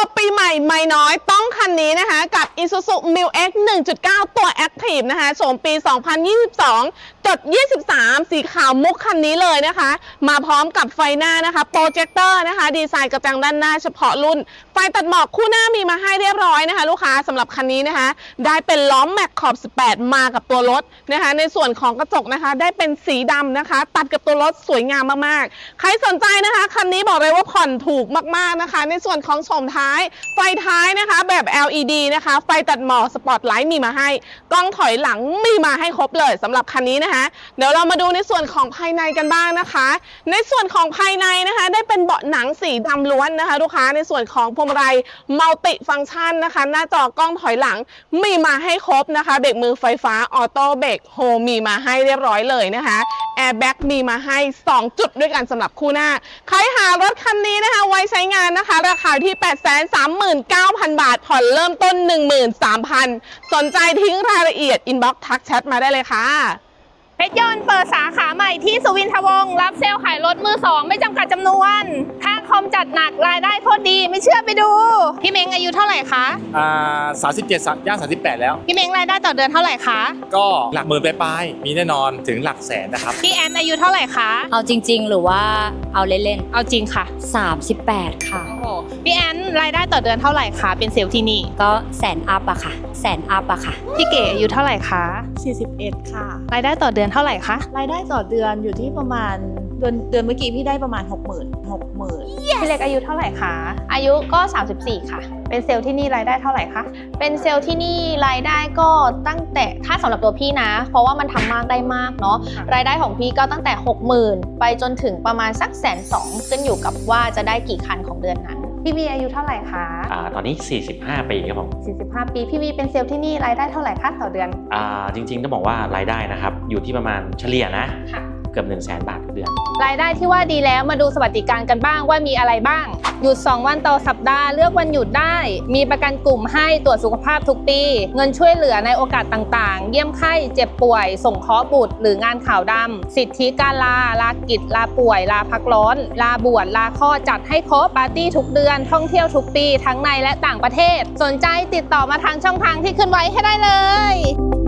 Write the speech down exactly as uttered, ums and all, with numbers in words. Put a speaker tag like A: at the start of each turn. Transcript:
A: บปีใหม่ไม่น้อยต้องคันนี้นะคะกับ Isuzu Mil X หนึ่งจุดเก้า ตัว Active นะคะโฉมปี สองพันยี่สิบสองจุดยี่สิบสาม สีขาวมุกคันนี้เลยนะคะมาพร้อมกับไฟหน้านะคะโปรเจคเตอร์นะคะดีไซน์กระจังด้านหน้าเฉพาะรุ่นไฟตัดหมอกคู่หน้ามีมาให้เรียบร้อยนะคะลูกค้าสำหรับคันนี้นะคะได้เป็นล้อมแม็กขอบสิบแปดมากับตัวรถนะคะในส่วนของกระจกนะคะได้เป็นสีดำนะคะตัดกับตัวรถสวยงามมากๆใครสนใจนะคะคันนี้บอกเลยว่าผ่อนถูกมากๆนะคะในส่วนของโฉมท้ายไฟท้ายนะคะแบบ แอล อี ดี นะคะไฟตัดหมอกสปอตไลท์มีมาให้กล้องถอยหลังมีมาให้ครบเลยสำหรับคันนี้นะคะเดี๋ยวเรามาดูในส่วนของภายในกันบ้างนะคะในส่วนของภายในนะคะได้เป็นเบาะหนังสีดำล้วนนะคะลูกค้าในส่วนของพวงมาลัยมัลติฟังก์ชันนะคะหน้าจอกล้องถอยหลังมีมาให้ครบนะคะเบรกมือไฟฟ้าออโต้เบรกโฮมีมาให้เรียบร้อยเลยนะคะแอร์แบ็กมีมาให้สองจุดด้วยกันสำหรับคู่หน้าใครหารถคันนี้นะคะไว้ใช้งานนะคะราคาที่ แปดแสนสามหมื่นเก้าพัน บาทผ่อนเริ่มต้น หนึ่งหมื่นสามพัน สนใจทิ้งรายละเอียดอินบ็อกซ์ทักแชทมาได้เลยค่ะ
B: เพชรยนต์เปิดสาขาใหม่ที่สุวินทวงศ์รับเซลล์ขายรถมือสองไม่จำกัดจำนวนค่าคอมจัดหนักรายได้โคตรดีไม่เชื่อไปดูพี่เม้งอายุเท่าไหร่คะ
C: อ่าสามสิบเจ็ดย่างสามสิบแปดแล้ว
B: พี่เม้งรายได้ต่อเดือนเท่าไหร่คะ
C: ก็หลักหมื่นปลายๆมีแน่นอนถึงหลักแสนนะครับ
B: พี่แอนอายุเท่าไหร่คะ
D: เอาจริงๆหรือว่าเอาเล่น
B: ๆเอาจริงค่ะ
D: สามสิบแปดค่ะ
B: โอ้โหพี่แอนรายได้ต่อเดือนเท่าไหร่คะเป็นเซลล์ที่นี่
D: ก็แสนอัพอะค่ะแสนอัพอะค่ะ
B: พี่เก๋อายุเท่าไหร่คะ
E: สี่สิบเอ็ดค่ะ
B: รายได้ต่อเดือนเท่าไหร่คะ
E: รายได้ต่อเดือนอยู่ที่ประมาณเดือนเดือนเมื่อกี้พี่ได้ประมาณ หกหมื่น หกหมื่น
B: พี่เล็กอายุเท่าไหร่คะ
F: อายุก็สามสิบสี่ค่ะ
B: เป็นเซลล์ที่นี่รายได้เท่าไหร่คะ
F: เป็นเซลล์ที่นี่รายได้ก็ตั้งแต่ถ้าสำหรับตัวพี่นะเพราะว่ามันทำมากได้มากเนาะรายได้ของพี่ก็ตั้งแต่ หกหมื่น ไปจนถึงประมาณสักแสนสองขึ้นอยู่กับว่าจะได้กี่คันของเดือนนั้น
B: พี่วีอายุเท่าไหร่คะ
G: อ่าตอนนี้สี่สิบห้าปีครับผม
B: สี่สิบห้าปีพี่วีเป็นเซลล์ที่นี่รายได้เท่าไหร่คะต่อเดือน
G: อ่าจริงๆต้องบอกว่ารายได้นะครับอยู่ที่ประมาณเฉลี่ยนะเกือบ หนึ่งแสน บาทต่อเดือน
B: รายได้ที่ว่าดีแล้วมาดูสวัสดิการกันบ้างว่ามีอะไรบ้างหยุดสองวันต่อสัปดาห์เลือกวันหยุดได้มีประกันกลุ่มให้ตรวจสุขภาพทุกปีเงินช่วยเหลือในโอกาสต่างๆเยี่ยมไข้เจ็บป่วยส่งเคราะห์บุตรหรืองานข่าวดำสิทธิการลาลากิจลาป่วยลาพักร้อนลาบวชลาคลอดจัดให้ครบปาร์ตี้ทุกเดือนท่องเที่ยวทุกปีทั้งในและต่างประเทศสนใจติดต่อมาทางช่องทางที่ขึ้นไว้ให้ได้เลย